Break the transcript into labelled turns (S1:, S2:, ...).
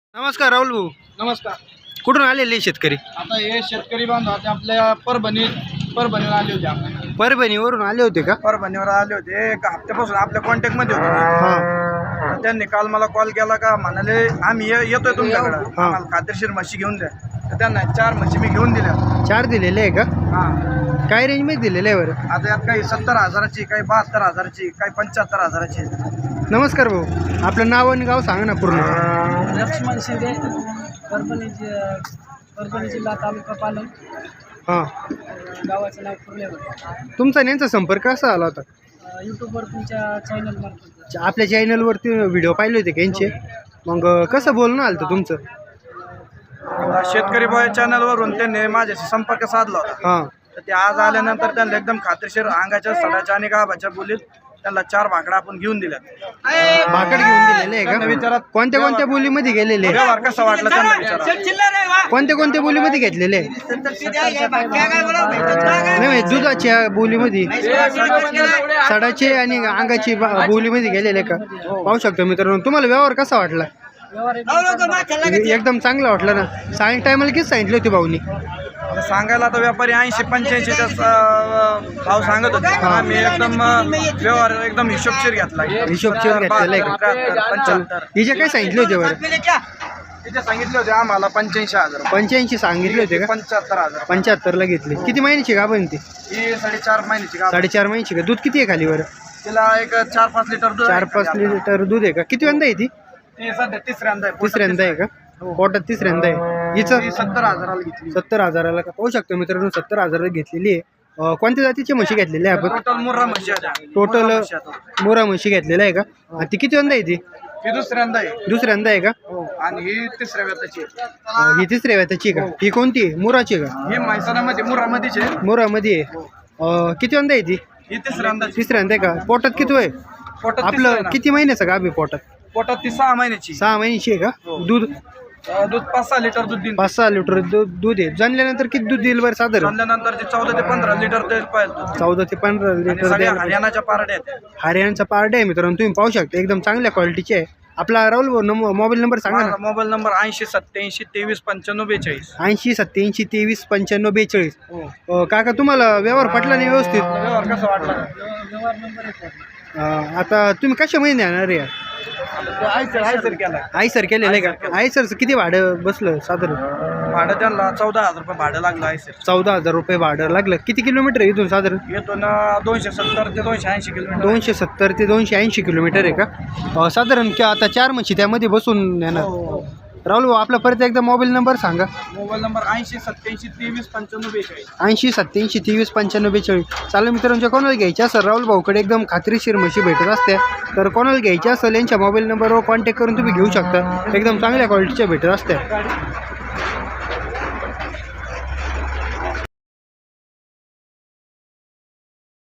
S1: नमस्कार राहुल भाऊ.
S2: नमस्कार.
S1: कुठून आलेले शेतकरी?
S2: आता हे शेतकरी बांधव आता आपल्या परभणीवर आले होते. आपण
S1: परभणीवरून आले होते का?
S2: परभणीवर आले होते. एक हप्त्यापासून आपल्या कॉन्टॅक्ट मध्ये होते.
S1: हां.
S2: त्यांनी काल मला कॉल केला का म्हणाले आम्ही येतोय तुमच्याकडे, आम्हाला खात्रीशीर म्हशी घेऊन द्या. तर त्यांना 4 म्हशी मी घेऊन दिल्या.
S1: 4 दिलेले आहे का?
S2: हां.
S1: काय रेंज मध्ये दिलेले आहे बरं?
S2: आता यात काही 70,000ची, काही 72,000ची, काही 75,000ची.
S1: नमस्कार भाऊ, आपलं नाव आणि गाव सांगा ना पूर्ण.
S3: लक्ष्मण शिंदे, परभणी जिल्हा, तालुका पालम,
S1: हां.
S3: गावाचं नाव कुर्लेवर.
S1: तुमचा नेमचा संपर्क कसा आला होता?
S3: यूट्यूबवर तुमच्या चॅनलमार्फत.
S1: आपल्या चॅनलवरती व्हिडिओ पाहिले होते का यांचे? मग कसं बोलणं आलं होतं तुमचं?
S2: आता शेतकरी बॉय चॅनलवरून त्यांनी माझ्याशी संपर्क साधला होता.
S1: हां.
S2: तर ते आज आल्यानंतर त्यांना एकदम खात्रीशीर अंगाच्या, सडाच्या आणि गाभाच्या बोलीत त्यांना 4 भाकडा आपण घेऊन दिल्या.
S1: भाकड घेऊन दिलेले आहे
S2: त्यांना
S1: का?
S2: विचारात
S1: कोणत्या कोणत्या बोलीमध्ये गेलेले आहे?
S2: व्यवहार कसा वाटला त्यांना विचारा.
S1: कोणत्या कोणत्या बोलीमध्ये घेतलेले आहे? नाही, दुधाच्या बोलीमध्ये, सडाचे आणि अंगाची बोलीमध्ये गेलेले आहे का? पाहू शकतो मित्रांनो. तुम्हाला व्यवहार कसा वाटला? एकदम चांगला वाटला ना. सांग टायमाला किती सांगितले होते भाऊनी?
S2: आता सांगायला आता व्यापारी 80-85चा भाव सांगत होते. आम्ही एकदम व्यवहार एकदम हिशोबशीर घेतला.
S1: हिशोबशीर घेतलेला आहे का?
S2: 75.
S1: हिचे काय सांगितले होते बरं?
S2: तिथे सांगितले होते आम्हाला 85,000.
S1: 85 सांगितले होते का?
S2: 75,000.
S1: 75ला घेतले. किती महिन्याची का पण ती?
S2: ही 4.5 महिन्याची गाभ.
S1: 4.5 महिन्याची का? दूध किती आहे खाली बरं?
S2: तिला एक 4-5 लिटर दूध आहे.
S1: 4-5 लिटर दूध आहे का? किती वेळा आहे ती?
S2: ती सध्या तिसऱ्यांदा आहे.
S1: तिसऱ्यांदा आहे का? पोटात तिसऱ्यांदा आहे. हिचं
S2: ती 70,000ला घेतली.
S1: 70,000ला का? पाहू शकतो मित्रांनो, 70,000ला घेतलेली आहे. कोणत्या जातीची म्हशी घेतलेली आहे आपण?
S2: टोटल मुर्रा म्हशी आहे.
S1: टोटल मोरा म्हशी घेतलेला आहे का? आणि ती किती वेळा आहे ती?
S2: ही दुसऱ्यांदा आहे.
S1: दुसऱ्यांदा आहे का?
S2: हो. आणि ही तिसऱ्या व्यताची आहे.
S1: ही तिसऱ्या वेताची का? ही कोणती आहे? मोराची का?
S2: ही म्हैसाणामध्ये मुर्रामध्येच आहे.
S1: मोरामध्ये आहे. किती वेळा आहे ती?
S2: ही तिसऱ्यांदा.
S1: तिसऱ्यांदा आहे का? पोटात किती आहे?
S2: पोटात
S1: आपलं किती महिन्याचं गाभ आहे पोटात?
S2: पोटात ती 6 महिन्याची.
S1: 6 महिन्याची आहे का? दूध
S2: दूध 5-6 लिटर दूध देईल.
S1: 5-6 लिटर दूध आहे. जाणल्यानंतर किती दूध देईल बरं साधारण?
S2: आणल्यानंतर ते 14 ते 15 लिटर देईल पाहिजे.
S1: 14 ते 15 लिटर
S2: सगळ्या
S1: द्यायला.
S2: हरियाणाच्या पारड्या आहेत.
S1: हरियाणाचा पार्ट आहे मित्रांनो, तुम्ही पाहू शकता. एकदम चांगल्या क्वालिटीचे आहे. आपला राहुल मोबाईल नंबर सांगा ना.
S2: माझा मोबाईल नंबर 80-87-23-95-42.
S1: 80-87-23-95-42. काका, तुम्हाला व्यवहार पटला नाही व्यवस्थित?
S2: व्यवहार कसा वाटला?
S3: व्यवहार नंबर 1.
S1: आता तुम्ही कशा महिने येणार आहे?
S2: सर केला.
S1: आई सर केलेलं आहे का? आई सरचं किती भाडं बसलं साधारण?
S2: भाडं त्यांना 14,000 रुपये भाडं लागलं आहे सर.
S1: 14,000 रुपये भाडं लागलं. किती किलोमीटर आहे इथून साधारण?
S2: येतो ना 270 ते 280 किलोमीटर.
S1: 270 ते 280 किलोमीटर आहे का? साधारण आता 4 म्हशी त्यामध्ये बसून येणार. राहुल भाऊ, आपला परत एकदा मोबाईल नंबर सांगा.
S2: Mobile number 80-87-23-95-42.
S1: 80-87-23-95-42. चालेल मित्रांच्या, कोणाला घ्यायच्या असेल राहुल भाऊकडे एकदम खात्रीशीर म्हशी भेटत असते. तर कोणाला घ्यायच्या असेल यांच्या मोबाईल नंबरवर कॉन्टॅक्ट करून तुम्ही घेऊ शकता. एकदम चांगल्या क्वालिटीच्या भेटत असते.